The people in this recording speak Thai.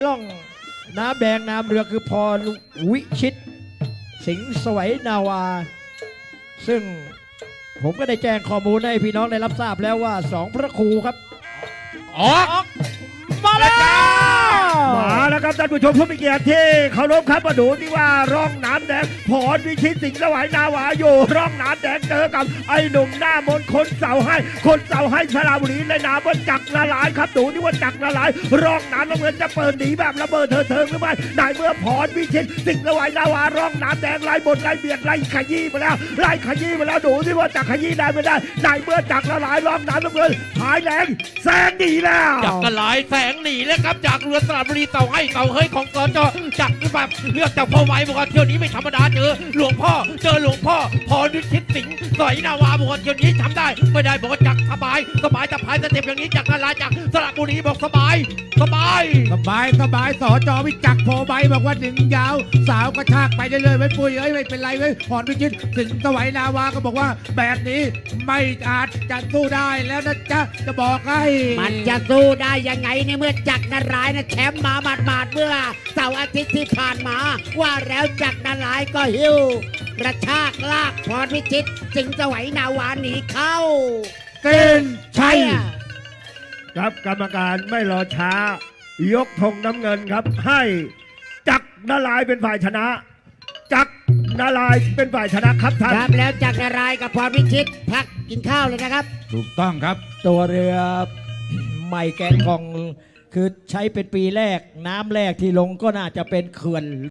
ล่องน้ำแดงน้ำเรือคือพรวิชิต สิงห์สวัยนาวา ซึ่งผมก็ได้แจ้งข้อมูลให้พี่น้องได้รับทราบแล้วว่าสองพระครูครับออกมาแล้วมาแล้วครับท่านผู้ชมผู้มีเกียรติที่เคารพครับมาดูที่ว่าร่องน้ำแดงพรวิชิตสิงห์สวัยนาวาอยู่ร่องน้ำแดงเจอกับไอ้หนุ่มหน้ามนต์คนเสาให้สระบุรีในนามว่าจักรละลายครับดูที่ว่าจักรละลายร่องน้ำน้ำเงินจะเปิดหนีแบบระเบิดเถิงหรือไม่ได้เมื่อพรวิชิตสิงห์สวัยนาวาร่องน้ำแดงไล่บนไล่เบียดไล่ขยี้มาแล้วดูที่ว่าจักรขยี้ได้ไม่ได้เมื่อจักรละลายร่องน้ำน้ำเงินหายแรงแซงหนีแล้วจักรลายแสงหนีแล้วครับจากเรือสระบุรีเต่าให้เต่าเฮ้ยของสจจักรแบบเลือกจากพ่อไว้บอกว่าเที่ยวนี้ไม่ธรรมดาเจอหลวงพ่อพรวิชิตสิงห์สอยนาวาบอกว่าเที่ยวนี้ทำได้ไม่ได้บอกว่าจักรสบายสบายสเต็ปอย่างนี้จักรลายจากสระบุรีบอกสบายสบายสจวิจักรโพใบบอกว่าดึงยาวสาวกระชากไปได้เลยไว้ปุ้ยเอ้ยไม่เป็นไรไว้พรวิชิตสิงห์สวัยนาวาก็บอกว่าแบบนี้ไม่อาจจะสู้ได้แล้วนะจ๊ะจะบอกให้มันจะสู้ได้ยังไงในเมื่อจักรนารายณ์นะแชมป์มาหมาดๆเมื่อเสาร์อาทิตย์ที่ผ่านมาว่าแล้วจักรนารายณ์ก็หิ้วกระชากลากพรวิชิตสิงห์สวัยนาวาหนีเข้าเกณฑ์ชัยครับกรรมการไม่รอช้ายกธงน้ำเงินครับให้จักรนารายณ์เป็นฝ่ายชนะ จักรนารายณ์เป็นฝ่ายชนะครับท่านครับแล้วจักรนารายณ์กับพรวิชิตพักกินข้าวเลยนะครับถูกต้องครับตัวเรือใหม่แกนกองคือใช้เป็นปีแรกน้ำแรกที่ลงก็น่าจะเป็นเขื่อน